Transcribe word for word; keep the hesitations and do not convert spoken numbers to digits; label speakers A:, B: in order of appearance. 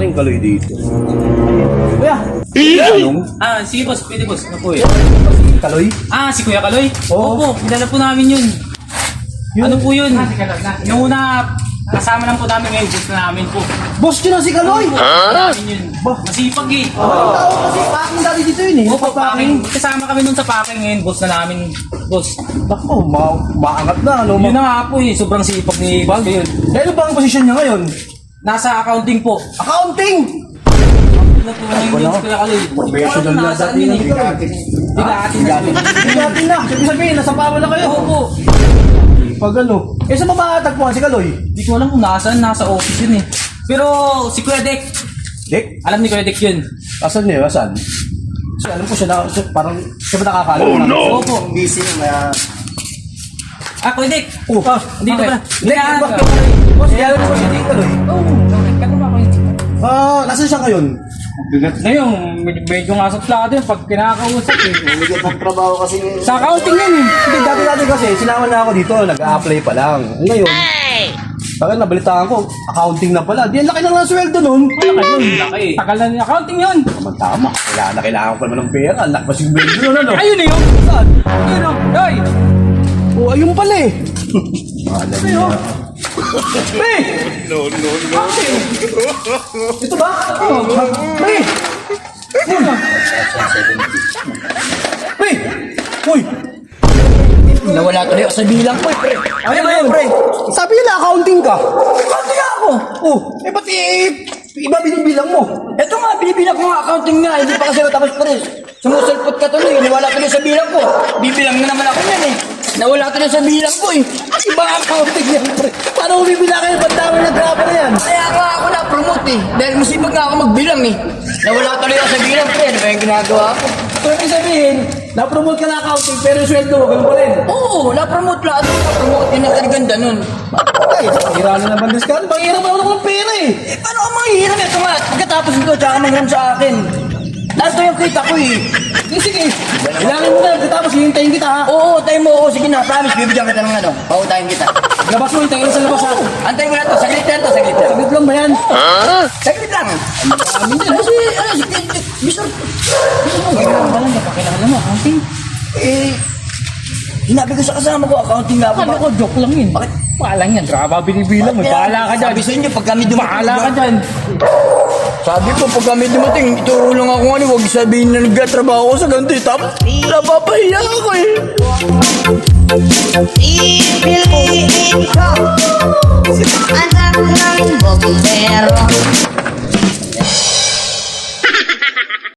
A: yung kaloy dito.
B: Kuya!
A: Anong?
C: Ah, sige boss, pwede boss. Ano po eh?
A: Kaloy?
C: Ah, si Kuya Kaloy?
A: Oo.
C: Opo, kilala po namin yun. Ano po yun? Yung una, kasama lang po namin ngayon, boss na namin po.
B: Boss yun ang si Kaloy!
C: Ha? Namin yun. Masipag eh.
B: Ang tao kasi packing dati dito yun eh.
C: Opo, packing. Kasama kami nun sa packing ngayon, boss na namin. Boss.
B: Bako, ma maangat na. Ano,
C: Yun
B: ma
C: na nga po eh, sobrang sipag ni boss yun.
B: Ano ba ang posisyon niya ngayon?
C: Nasa accounting po.
B: Accounting!
C: Ano po ngayon yun si Kuya Kaloy?
B: Professional na
C: Nasaan
B: dati
C: yun
B: na
C: eh?
B: bigatin.
C: Bigatin na siya.
B: Bigatin na. Sabi sabihin, nasa pawa na kayo.
C: Opo.
B: Pag ano. Eh, saan ba matagpuan si Kaloy?
C: Hindi ko alam kung nasaan, nasa office yun eh. Pero si Kuya Dek,
B: Dek?
C: alam ni Kuya Dek yun.
B: Asan niya? Asan? So, alam ko siya na, so, parang siya ba nakakala?
A: Oh, no!
C: Opo.
B: Busy na.
C: Ah, Kuya Dek.
B: Oh,
C: Ah, dito
B: okay.
C: pala.
B: Dek,
C: Dek,
B: ba?
C: ah,
B: Boss, kaya mo si Dek Kaloy?
C: Oo, okay. Kaya ba kayo?
B: Ah, nasan siya ngayon?
C: Ngayon, med- medyo nga sa plado yun pag kinakausap eh.
B: Bigyan ng trabaho kasi.
C: Sa accounting yun eh.
B: Hindi, dati-dati kasi, sinama na ako dito, nag-a-apply pa lang. Ngayon, bakit nabalitaan ko, accounting na pala. Di, ang laki na nga sweldo nun.
C: Malaki yun, laki. Tagal na yung accounting yun.
B: Tama, kailangan na kailangan ko pa naman ng pera. Ang laki pa si sweldo nun, ano?
C: Ayun na yun.
B: Saan?
C: Ayun o. Hoy!
B: Oh, ayun pala eh. Alam niya. Pre!
A: No, no, no.
B: Ito ba? Oh, pre! Ano? Pre! Uy!
D: Nawala tuloy ako sa bilang ko, pre.
B: Ano ba yun, pre? Sabi nila accounting ka. Accounting ako. Oh, eh pati eh, iba binibilang mo.
D: Ito nga, binibilang ko nga accounting nga. Hindi pa kasi tapos, pre. Sumusulpot ka tuloy. Nawala tuloy sa bilang ko. Bibilang na naman ako yan, eh. Nawala tuloy sa bilang ko, eh.
B: Iba accounting yan, pre. Paano mo bibilang kayo? Ba't dami na graba na yan?
D: Kaya nga ako na-promote, eh. Dahil masipag nga ako magbilang, eh. Nawala tuloy ako sa bilang, pre. Ano ba yung ginagawa ko?
B: So, ibig sabihin, na-promote ka na accounting pero yung sweldo mo, ganun pa rin.
D: Oo, na-promote lahat. Na-promote. Yun ang kaliganda nun.
B: Ay, hira na naman this ka. Mahirap ako ng pera eh.
D: Eh, paano ka manghihiram? Ito nga, pagkatapos nito, tsaka manghiram sa akin. Lahat to yung kita ko, eh.
B: Sige, sige. Bilangin mo na, tapos hihintayin kita ha.
D: Oo, tayo mo. Oo, sige na. Promise, bibigyan kita ng ano. Pautahin kita.
B: Labas mo, hintayin sa labas ha.
D: Antayin mo na to. Saglit lang to, saglit lang.
B: Saglit lang ba yan?
D: Saglit lang.
B: Amin yan.
D: Kasi, ano, si Bisor.
C: Kailangan ba lang, napakilala mo, accounting.
D: Eh, hinabi ko sa kasama ko, accounting nga ako.
C: Akala ko, joke lang yun.
D: Bakit?
C: Bahala yan, drama binibilang mo. Bahala ka dyan.
D: Sabi sa inyo, pag kami dumating.
C: Bahala ka dyan.
D: Sabi ko, pag kami dumating, ituro lang ako ano, huwag sabihin na nagtatrabaho ko sa ganito. eh. Tapos, napapahiya ako eh.
E: Pipiliin ko anak ng bombero.